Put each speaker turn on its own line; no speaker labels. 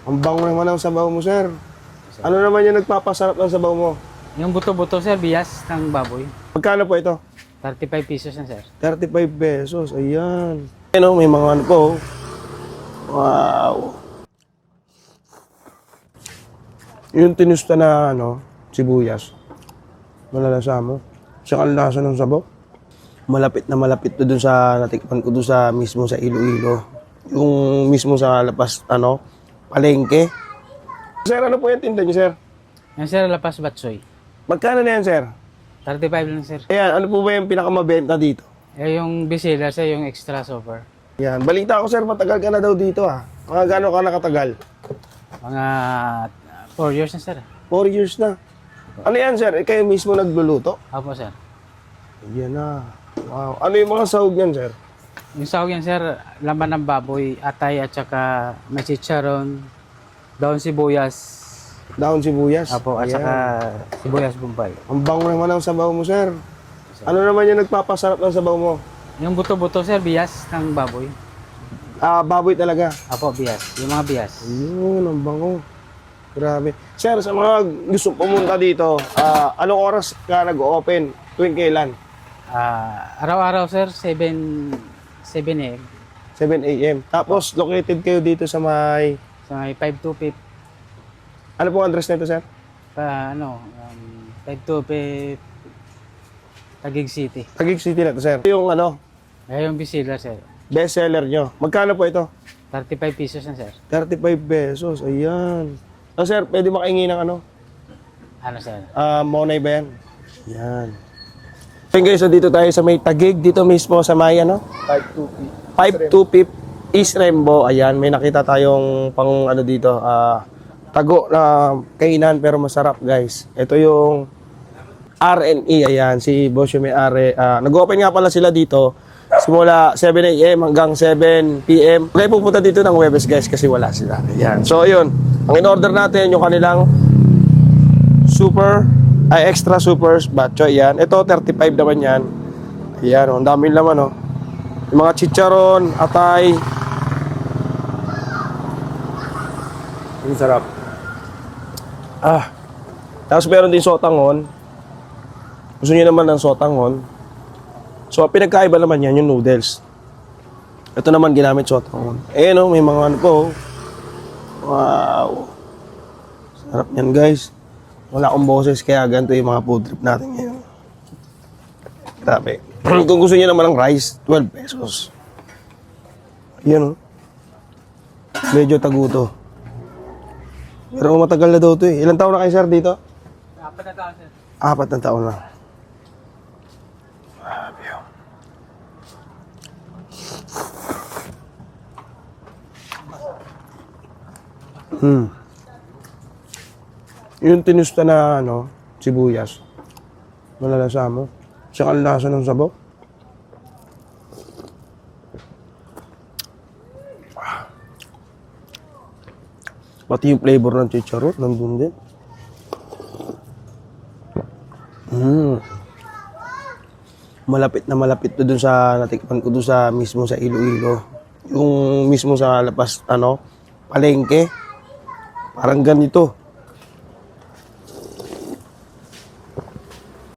Ang bango naman ang sabaw mo, sir. Ano naman yung nagpapasarap ng sabaw mo?
Yung buto-buto, sir, bias ng baboy.
Magkano po ito?
35 pesos na, sir.
35 pesos. Ayan. Ano, may mga ano po. Wow. Yung tinusta na sibuyas. Malalasa mo. Saka ang lasa ng sabaw. Malapit to dun sa natikman ko dun sa mismo sa Iloilo. Yung mismo sa lapas, palengke. Sir, ano po yung tinda niyo, sir?
Yan, sir, lapas batsoy.
Magkano na yan, sir?
35 lang, sir.
Ayan, ano po ba yung pinakamabenta dito?
Yung bisela, sir, yung extra super.
Yan, balita ko, sir, matagal ka na daw dito, ah. Mga gano'n ka nakatagal?
Mga 4 years na, sir.
4 years na. Ano yan, sir? Kayo mismo nagluluto?
Opo, sir.
Yan na. Wow. Ano yung mga sahog yan, sir?
Yung sahog yan, sir, laman ng baboy, atay at saka may chicharon, daon sibuyas.
Daon sibuyas.
Opo, at
Ayan.
saka sibuyas bombay.
Ang bango naman ang sabaw mo, sir. Ano naman yung nagpapasarap ng sabaw mo?
Yung buto-buto, sir, bias ng baboy.
Baboy talaga.
Opo, bias. Yung mga bias.
Ayun, ang bango. Grabe. Sir, sa mga gusto pumunta dito, anong oras ka nag-open? Tuwing kailan?
Araw-araw, sir, 7 a.m.
7 a.m. Tapos, located kayo dito sa may...
So, may 525,
Ano pong address nito, sir?
525, Taguig City.
Taguig City na to, sir. Yung
Yung bisela, sir.
best seller nyo. Magkano po ito?
35 pesos na, sir.
35 pesos. Ayan. So, sir, pwede makahingi ng
Ano, sir?
monay ba yan? Yan. Okay guys, so dito tayo sa may Taguig. Dito mismo sa may 525 East Rembo. Ayan, may nakita tayong pang dito. Tago na kainan pero masarap, guys. Ito yung R&E. Ayan, si boss yung may-ari. Nag-open nga pala sila dito simula 7 a.m. hanggang 7 p.m. Okay, pupunta dito ng Huwebes, guys, kasi wala sila. Ayan. So, yun. Ang in-order natin yung kanilang extra supers batcho. Ayan. Ito, 35 naman yan. Ayan, ang daming laman, oh. Yung mga chicharon, atay. Ang sarap. Tapos meron din sotangon. Gusto niyo naman ng sotangon. So, pinagkaiba naman yan, yung noodles. Ito naman ginamit sotangon. May mga po. Wow. Sarap yan, guys. Wala akong boses, kaya ganito yung mga food trip natin ngayon. Grabe. Kung gusto niyo naman ng rice, 12 pesos. Yan, medyo taguto. Pero matagal na daw ito eh. Ilang taon na kayo, sir, dito?
4 na taon, sir.
4 na taon na. Grabe yun. Yung tinusta na sibuyas. Malalasa mo. Saka ang lasa ng sabaw. Pati yung flavor ng chicharon, nandun din. Malapit to dun sa natikman ko dun sa mismo sa Iloilo. Yung mismo sa lapas, palengke. Parang ganito.